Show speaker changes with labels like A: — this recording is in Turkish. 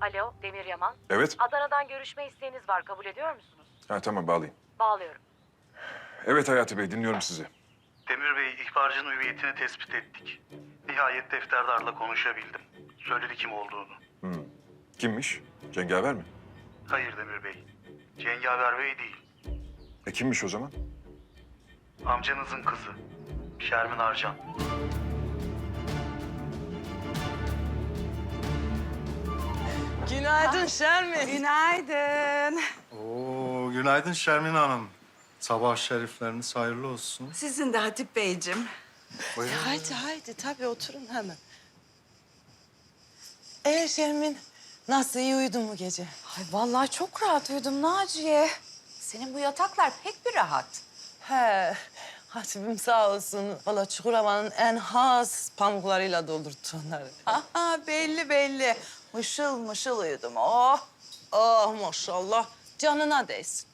A: Alo, Demir Yaman.
B: Evet.
A: Adana'dan görüşme isteğiniz var. Kabul ediyor musunuz?
B: Ha, tamam bağlayayım.
A: Bağlıyorum.
B: Evet Hayati Bey, dinliyorum sizi.
C: Demir Bey, ihbarcının hüviyetini tespit ettik. Nihayet defterdarla konuşabildim. Söyledi kim olduğunu.
B: Kimmiş? Cengaver mi?
C: Hayır Demir Bey, Cengaver Bey değil.
B: Kimmiş o zaman?
C: Amcanızın kızı, Şermin Arcan.
D: Günaydın Şermin.
E: Günaydın.
F: Oo, günaydın Şermin Hanım. Sabah şerifleriniz hayırlı olsun.
E: Sizin de Hatip Beyciğim.
D: Haydi tabii oturun hemen. Şermin nasıl iyi uyudun mu gece?
G: Ay vallahi çok rahat uyudum Naciye. Senin bu yataklar pek bir rahat.
D: He, Hatip'im sağ olsun. Valla Çukurova'nın en has pamuklarıyla doldurttu onları.
E: Aha belli. Mışıl mışıl uyudum. Oh.
D: Oh maşallah canına değsin.